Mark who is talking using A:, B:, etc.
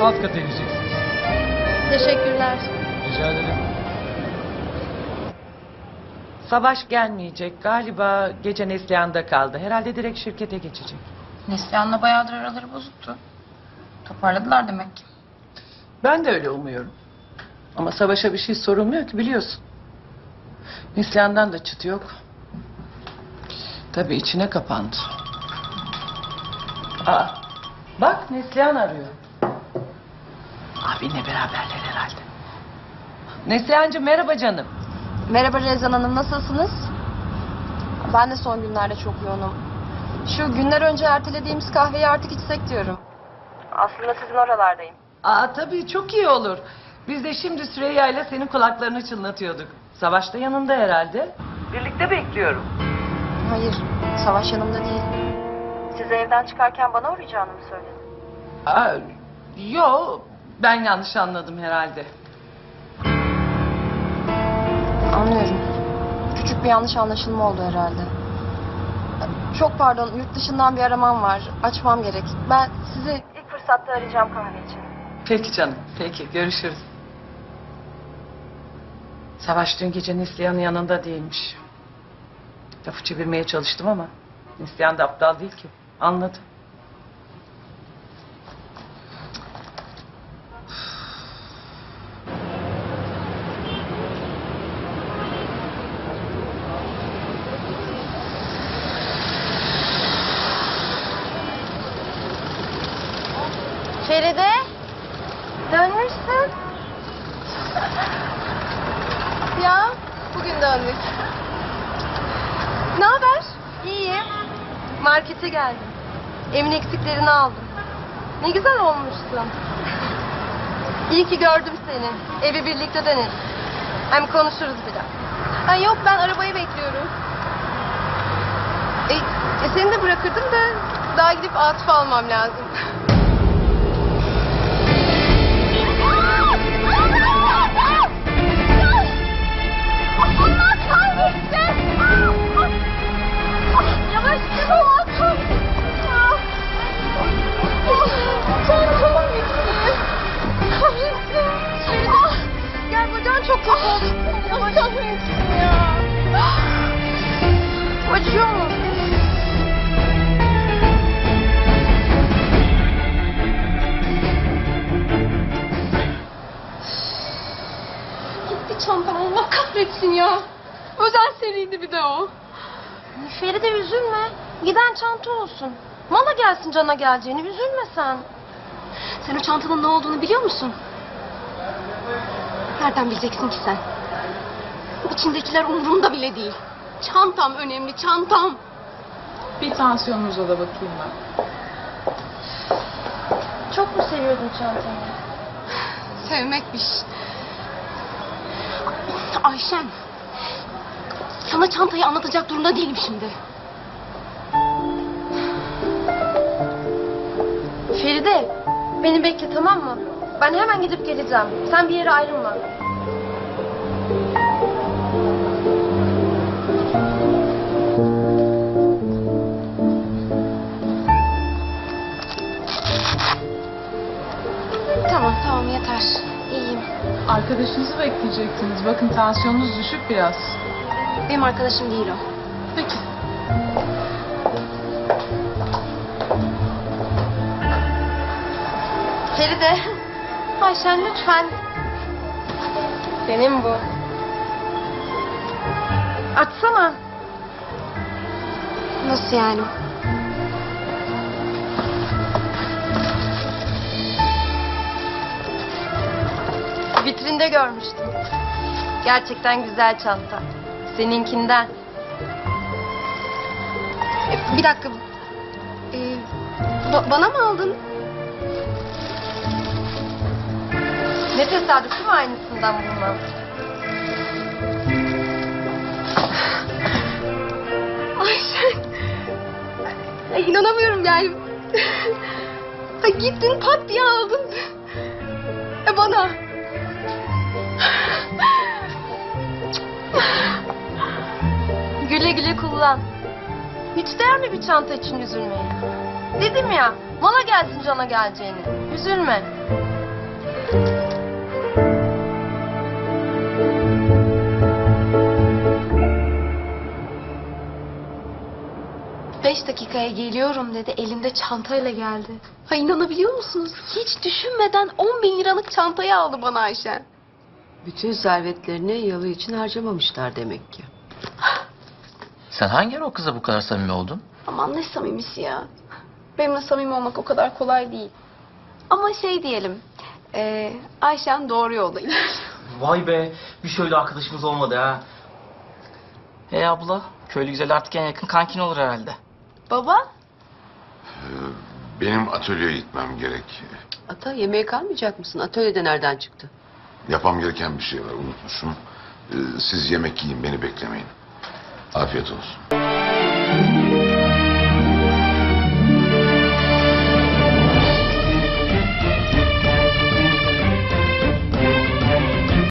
A: alt kata ineceksiniz.
B: Teşekkürler.
A: Rica ederim.
C: Savaş gelmeyecek. Galiba gece Neslihan'da kaldı. Herhalde direkt şirkete geçecek.
D: Neslihan'la bayağıdır araları bozuktu. Toparladılar demek ki.
C: Ben de öyle umuyorum. Ama Savaş'a bir şey sorulmuyor ki biliyorsun. Neslihan'dan da çıt yok. Tabii içine kapandı. Aa, bak Neslihan arıyor. Abinle beraberler herhalde. Neslihan'cığım merhaba canım.
B: Merhaba Rezan Hanım, nasılsınız? Ben de son günlerde çok yoğunum. Şu günler önce ertelediğimiz kahveyi artık içsek diyorum. Aslında sizin oralardayım.
C: Aa tabii çok iyi olur. Biz de şimdi Süreyya ile senin kulaklarını çınlatıyorduk. Savaş da yanında herhalde. Birlikte bekliyorum.
B: Hayır, Savaş yanımda değil. Siz evden çıkarken bana uğrayacağını mı söyledi?
C: Aa, yo ben yanlış anladım herhalde.
B: Anlıyorum. Küçük bir yanlış anlaşılma oldu herhalde. Çok pardon, yurt dışından bir aramam var. Açmam gerek. Ben sizi ilk fırsatta arayacağım kahve için.
C: Peki canım, peki görüşürüz. Savaş dün gece Neslihan'ın yanında değilmiş. Lafı çevirmeye çalıştım ama Neslihan da aptal değil ki. Anladı.
B: Feride, dönmüşsün. Ya, bugün döndük. Ne haber? İyiyim. Markete geldim. Evin eksiklerini aldım. Ne güzel olmuşsun. İyi ki gördüm seni. Evi birlikte deneriz. Hem konuşuruz biraz. Ha, yok ben arabayı bekliyorum. Seni de bırakırdım da daha gidip Atıf'ı almam lazım. Allah kahretsin! Yavaş git Allah kahretsin! Çantamın gitti. Kahretsin! Gel bacağın çok kötü oldu. Yavaş kahretsin ya. Acıyor mu? Gitti çantam, Allah kahretsin ya. Özel seriydi bir de o. Feride üzülme. Giden çanta olsun. Mala gelsin cana geleceğini, üzülme sen. Sen o çantanın ne olduğunu biliyor musun? Nereden bileceksin ki sen? İçindekiler umurumda bile değil. Çantam önemli, çantam.
D: Bir tansiyonunuza da bakayım ben.
B: Çok mu seviyordun çantanı? Sevmekmiş. Ayşem. Sana çantayı anlatacak durumda değilim şimdi. Feride, beni bekle tamam mı? Ben hemen gidip geleceğim. Sen bir yere ayrılma. Tamam yeter. İyiyim.
D: Arkadaşınızı bekleyecektiniz. Bakın tansiyonunuz düşük biraz.
B: Benim arkadaşım değil o.
D: Peki.
B: Feride. Ayşen lütfen. Benim bu. Açsana. Nasıl yani? Vitrinde görmüştüm. Gerçekten güzel çanta. Seninkinden. Bir dakika. Bana mı aldın? Ne tesadüf değil mi aynısından bulmam? Ayşen. Ay, inanamıyorum yani. Ay, gittin pat diye aldın. Bana. Güle güle kullan. Hiç değer mi bir çanta için üzülmeye? Dedim ya, mala gelsin cana geleceğini. Üzülme.
A: 5 dakikaya geliyorum dedi. Elinde çantayla geldi. Ha inanabiliyor musunuz? Hiç düşünmeden 10 bin liralık çantayı aldı bana Ayşen.
E: Bütün servetlerini yalı için harcamamışlar demek ki.
F: Sen hangi ara o kıza bu kadar samimi oldun?
A: Aman ne samimisi ya. Benimle samimi olmak o kadar kolay değil. Ama şey diyelim. Ayşen doğru yoldaymış.
G: Vay be, bir şöyle arkadaşımız olmadı ha.
F: Hey abla, köylü güzel artık en yakın kankin olur herhalde.
A: Baba?
H: Benim atölyeye gitmem gerek.
E: Ata yemeğe kalmayacak mısın? Atölyede nereden çıktı?
H: Yapmam gereken bir şey var, unutmuşum. Siz yemek yiyin, beni beklemeyin. Afiyet olsun.